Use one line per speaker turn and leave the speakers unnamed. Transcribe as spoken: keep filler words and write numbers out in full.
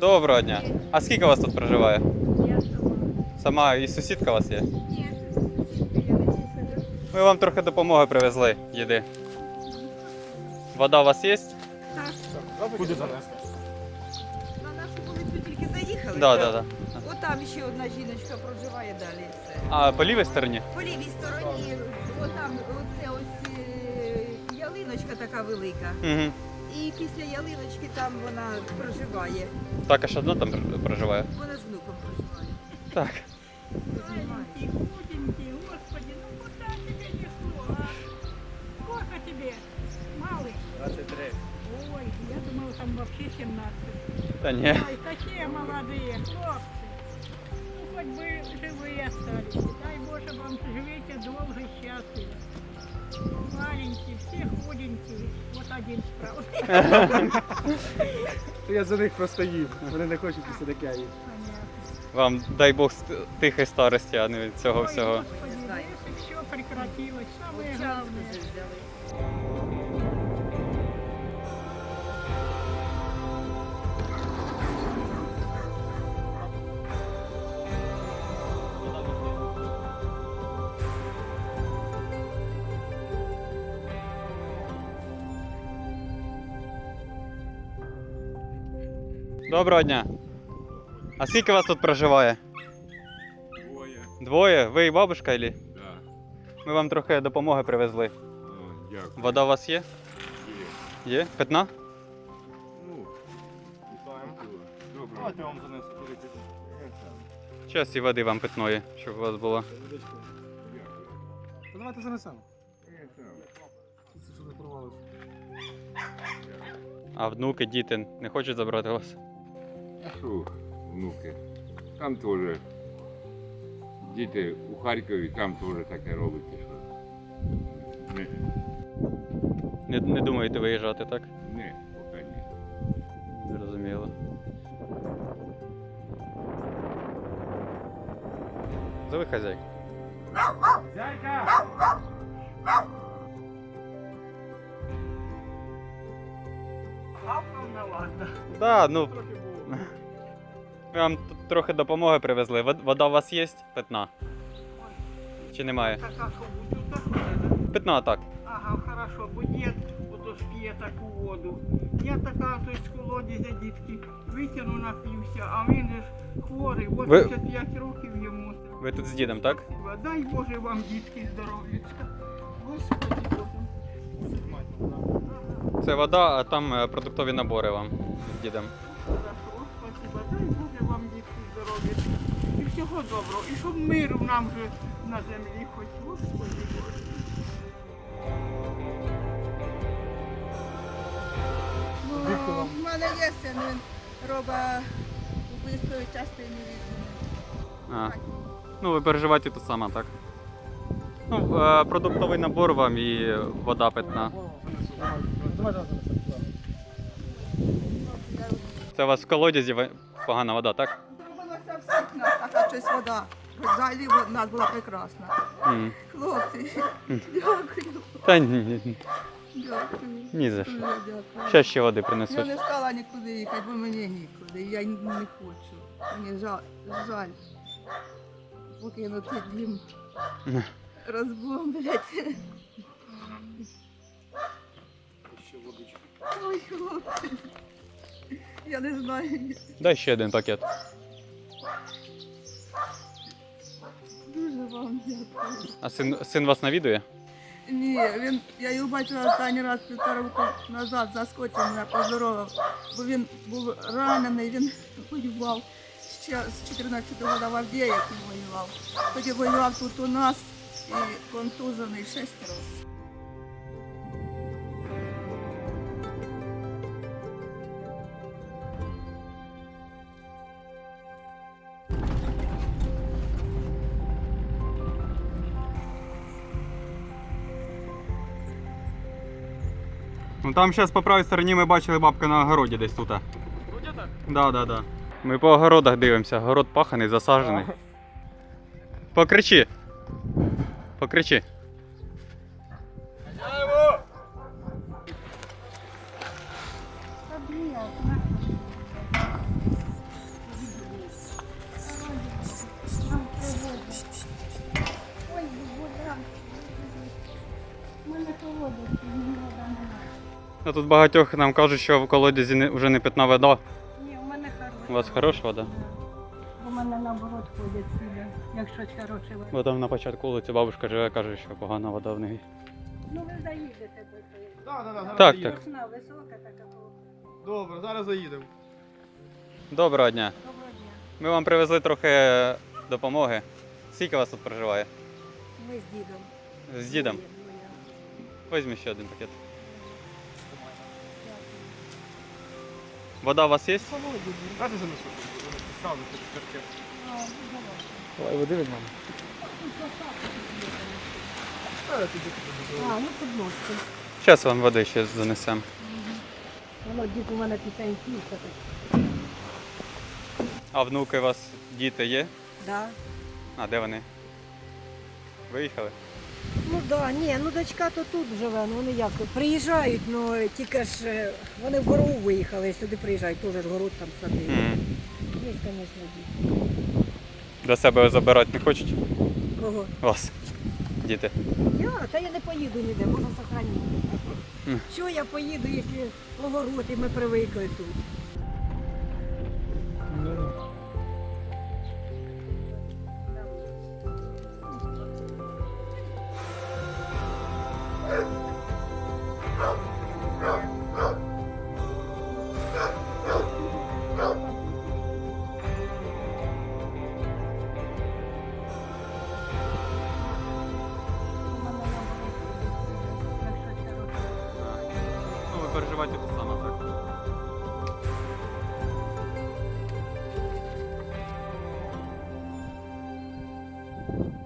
Доброго дня. А скільки вас тут проживає?
Я сама.
Сама і сусідка у вас є?
Ні, це сусідка, я на цій сиджу.
Ми вам трохи допомоги привезли, їди. Вода у вас є?
Так,
Куди занесли?
на нашу вулицю тільки заїхали.
Так, так, так.
От там ще одна жіночка проживає далі. Все.
А по лівій стороні?
По лівій стороні, отам, оце ось е, ялиночка така велика.
Угу.
І після ялиночки там вона проживає.
Також одна там проживає?
Вона з внуком проживає.
Так.
Маленький, худенький, господи, ну куда тебе несло, а? Сколько тебе, малый?
двадцять три.
Ой, я думала, там вообще семнадцать.
Та ні.
Ой, такие молодые хлопцы. Ну, хоть бы живые остались. Дай Боже вам живите долго и счастливо. Маленькие, все худенькие. Вот один справа.
Я за них просто їм. Вони не хочуть і все таке їм.
Понятно.
Вам дай Бог ст- тихої старості, а не від цього
Ой,
всього.
Господи, если все прекратилось, самое
Час
главное.
вже взяли.
Доброго дня. А скільки вас тут проживає?
Двоє.
Двоє? Ви і бабушка, Ілі?
Да.
Ми вам трохи допомоги привезли.
О, дякую.
Вода у вас є?
Є.
Є? Питна?
Ну,
Вітаємо.
добре.
Давайте я вам занесу. Подивіться.
Час і води вам питної, щоб у вас було.
Водичку.
Дякую.
Та давайте занесемо.
Я сам.
Це що не порвалося.
А внуки, діти не хочуть забрати вас?
А що, внуки? Там теж діти у Харкові, там теж таке робиться, що не,
Не, не думаєте виїжджати, так?
не, поки ні.
Зрозуміло. Зови хазяйку.
Зайка!
Да, ну. Ми вам тут трохи допомоги привезли. Вод- Вода у вас є? Питна? Чи немає?
Так, а что, бутылка?
Питна, так.
Ага, хорошо, бо дід ото сп'є таку воду. Я така то з колодязя дітки витягну, напився, а він же ж хворий, вісімдесят п'ять років йому.
Ви тут з дідом, так?
Дай Боже вам, дітки, здоров'ячка. Господи Боже.
Це вода, а там е, продуктові набори вам з дідом.
Хорошо, спасибо. Дай Боже вам, дітки, здоров'ячка. І всього доброго. І щоб миру нам же на землі хоч. Господи Боже.
Ну, в мене є син, він робить вбивствові частини від
А. Ну, ви переживаєте тут сама, так? Ну, е, продуктовий набор вам і вода питна.
Давайте я занесу.
Це у вас в колодязі ви- погана вода, так?
Зробилося всіх нас, така щось вода. Взагалі в нас була прекрасна.
М.
Хлопці, дякую,
Та ні, ні,
дякую.
ні за що.
Дуже дякую.
Ще ще води
Я
принесуть.
не стала нікуди їхати, бо мені нікуди. Я й не хочу. Мені жаль, жаль. Покинути дім. Розбомблять.
Ще водичку.
Ой, хлопці. Я не знаю.
Дай ще один пакет.
Дуже вам дякую.
А син, син вас навідує?
Ні, він, я його бачила останній раз півтора року назад, заскочив мене, поздоровав, бо він був ранений, він воював ще з чотирнадцятого року в Авдіївці воював. Тоді воював тут у нас і контужений шість разів.
Ну там зараз по правій стороні ми бачили бабка на огороді десь тут.
Вроді так.
Да, да, да. Ми по огородах дивимося. Город паханий, засаджений. Покричи. Покричи.
Хазяєво!
Обнял, на.
А тут багатьох нам кажуть, що в колодязі не- вже не питна вода.
Ні, у мене хороша.
У вас хороша вода?
У мене наоборот ходять сюди, як щось хороше. вода.
Бо там на початку вулиці бабушка живе, каже, що погана вода в неї.
Ну ви заїдете до тої.
Да, да, да, зараз
Так,
заїдемо.
так.
Сосна висока така була.
Добре, зараз заїдемо.
Доброго дня.
Доброго дня.
Ми вам привезли трохи допомоги. Скільки вас тут проживає?
Ми з дідом.
З дідом?
Двоє,
Візьміть ще один пакет.
двоє.
Вода у вас є?
Холодні.
Дайте занесу. Сразу тут пакет.
А, ну, давай.
Давай води від мене.
А, ну підносимо.
Зараз вам води ще занесемо.
Воно дід у мене пісенький.
А внуки у вас діти є?
Да.
А де вони? Виїхали?
Ну да, ні, ну дочка то тут живе, ну вони як приїжджають, ну тільки ж е, вони в гору виїхали, сюди приїжджають, теж ж город там садили.
М.
Є, звісно, діти.
До себе забирати не хочуть?
Кого?
Вас. Діти.
Я, та я не поїду ніде, можна сохранити.
Мгм.
Що я поїду, якщо огород і ми привикли тут?
Ну, ви переживаєте те саме, так?